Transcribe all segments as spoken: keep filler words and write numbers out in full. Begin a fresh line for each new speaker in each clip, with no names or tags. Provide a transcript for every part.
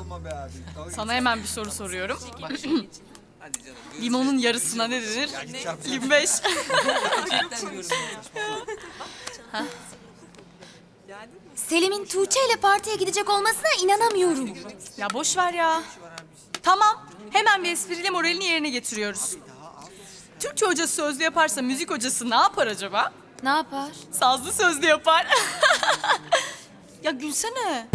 Olma be abi. Dalga
Sana hemen bir soru soruyorum.
Hadi canım.
Limonun yarısına ne denir?
Gideceğim.
yirmi beş.
Selim'in Tuğçe ile partiye gidecek olmasına inanamıyorum.
Ya boş ver ya. Tamam. Hemen bir espriyle moralini yerine getiriyoruz. Türkçe hocası sözlü yaparsa müzik hocası ne yapar acaba?
Ne yapar?
Sazlı sözlü yapar. Ya gülsene.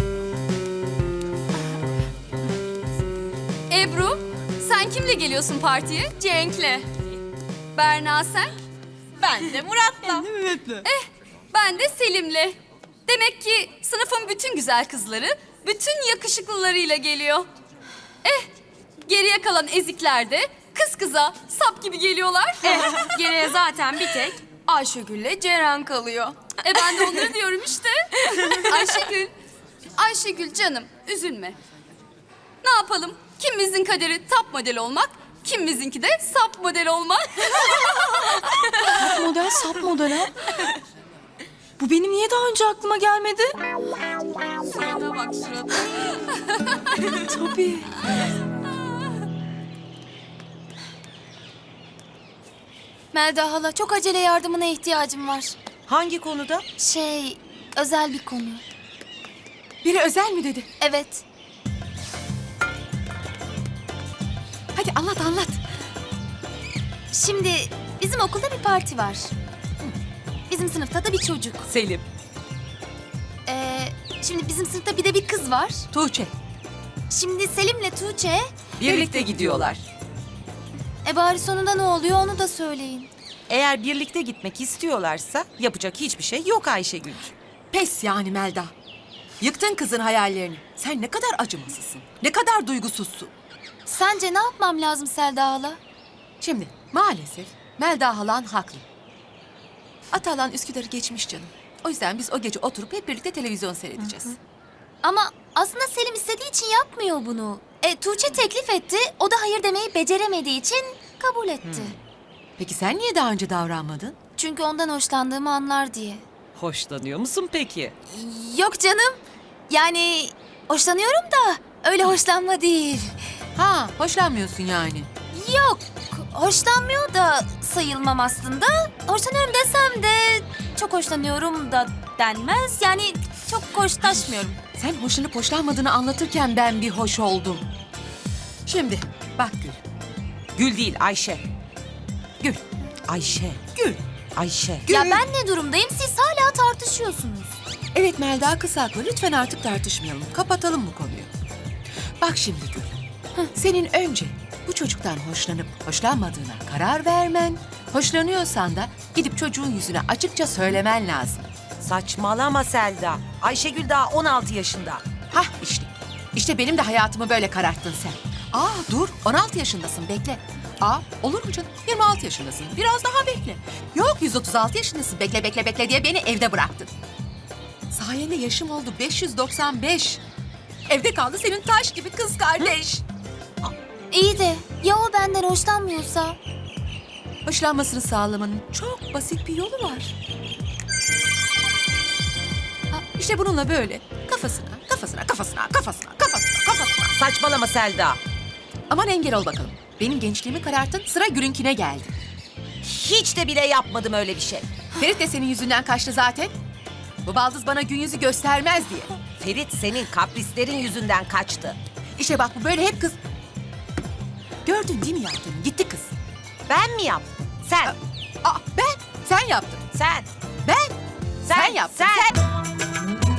Ebru, sen kimle geliyorsun partiye? Cenk'le. Berna sen? Ben de Murat'la. Eh, ben de Selim'le. Demek ki sınıfın bütün güzel kızları, bütün yakışıklılarıyla geliyor. Eh, geriye kalan ezikler de kız kıza sap gibi geliyorlar. Eh, geriye zaten bir tek Ayşegül'le Ceren kalıyor. E ben de onları diyorum işte. Ayşegül, Ayşegül canım üzülme. Ne yapalım? Kimimizin kaderi top model olmak, kimimizinki de sap model olmak.
Model sap model ha. Bu benim niye daha önce aklıma gelmedi?
Surata bak surata.
Tabii.
Melda hala çok acele yardımına ihtiyacım var.
Hangi konuda?
Şey, özel bir konu.
Biri özel mi dedi?
Evet.
Hadi anlat anlat.
Şimdi bizim okulda bir parti var. Bizim sınıfta da bir çocuk.
Selim,
Ee, şimdi bizim sınıfta bir de bir kız var.
Tuğçe.
Şimdi Selim'le Tuğçe...
Birlikte gidiyorlar.
E bari sonunda ne oluyor onu da söyleyin.
Eğer birlikte gitmek istiyorlarsa yapacak hiçbir şey yok Ayşegül.
Pes yani Melda. Yıktın kızın hayallerini. Sen ne kadar acımasızsın. Ne kadar duygusuzsun.
Sence ne yapmam lazım Selda hala?
Şimdi maalesef Melda halan haklı. Atalan Üsküdar'ı geçmiş canım. O yüzden biz o gece oturup hep birlikte televizyon seyredeceğiz.
Ama aslında Selim istediği için yapmıyor bunu. E, Tuğçe teklif etti, o da hayır demeyi beceremediği için kabul etti.
Peki sen niye daha önce davranmadın?
Çünkü ondan hoşlandığımı anlar diye.
Hoşlanıyor musun peki?
Yok canım. Yani hoşlanıyorum da öyle hoşlanma değil.
Ha, hoşlanmıyorsun yani.
Yok, hoşlanmıyor da sayılmam aslında. Hoşlanıyorum desem de çok hoşlanıyorum da denmez. Yani çok hoşlaşmıyorum.
Sen hoşlanıp hoşlanmadığını anlatırken ben bir hoş oldum. Şimdi bak Gül.
Gül değil Ayşe.
Gül.
Ayşe.
Gül.
Ayşe.
Ya ben ne durumdayım? Siz hala tartışıyorsunuz.
Evet Melda kız haklı. Lütfen artık tartışmayalım. Kapatalım bu konuyu. Bak şimdi Gül. Senin önce bu çocuktan hoşlanıp hoşlanmadığına karar vermen, hoşlanıyorsan da gidip çocuğun yüzüne açıkça söylemen lazım.
Saçmalama Selda. Ayşegül daha on altı yaşında.
Hah işte. İşte benim de hayatımı böyle kararttın sen. Aa dur on altı yaşındasın bekle. Aa olur mu canım? yirmi altı yaşındasın. Biraz daha bekle. Yok yüz otuz altı yaşındasın. Bekle bekle bekle diye beni evde bıraktın. Sayende yaşım oldu beş yüz doksan beş. Evde kaldı senin taş gibi kız kardeş.
İyi de ya o benden hoşlanmıyorsa?
Hoşlanmasını sağlamanın çok basit bir yolu var. Ha, İşte bununla böyle kafasına, kafasına, kafasına, kafasına, kafasına, kafasına.
Saçmalama Selda.
Aman engel ol bakalım. Benim gençliğimi kararttın, sıra Gül'ünkine geldi.
Hiç de bile yapmadım öyle bir şey.
Ferit de senin yüzünden kaçtı zaten. Bu baldız bana gün yüzü göstermez diye.
Ferit senin kaprislerin yüzünden kaçtı.
İşte bak bu böyle hep kız... Gördün değil mi yaptığını? Gitti kız.
Ben mi yaptım? Sen.
Aa ben, sen yaptın.
Sen.
Ben,
Sen,
sen yaptın.
sen.
sen.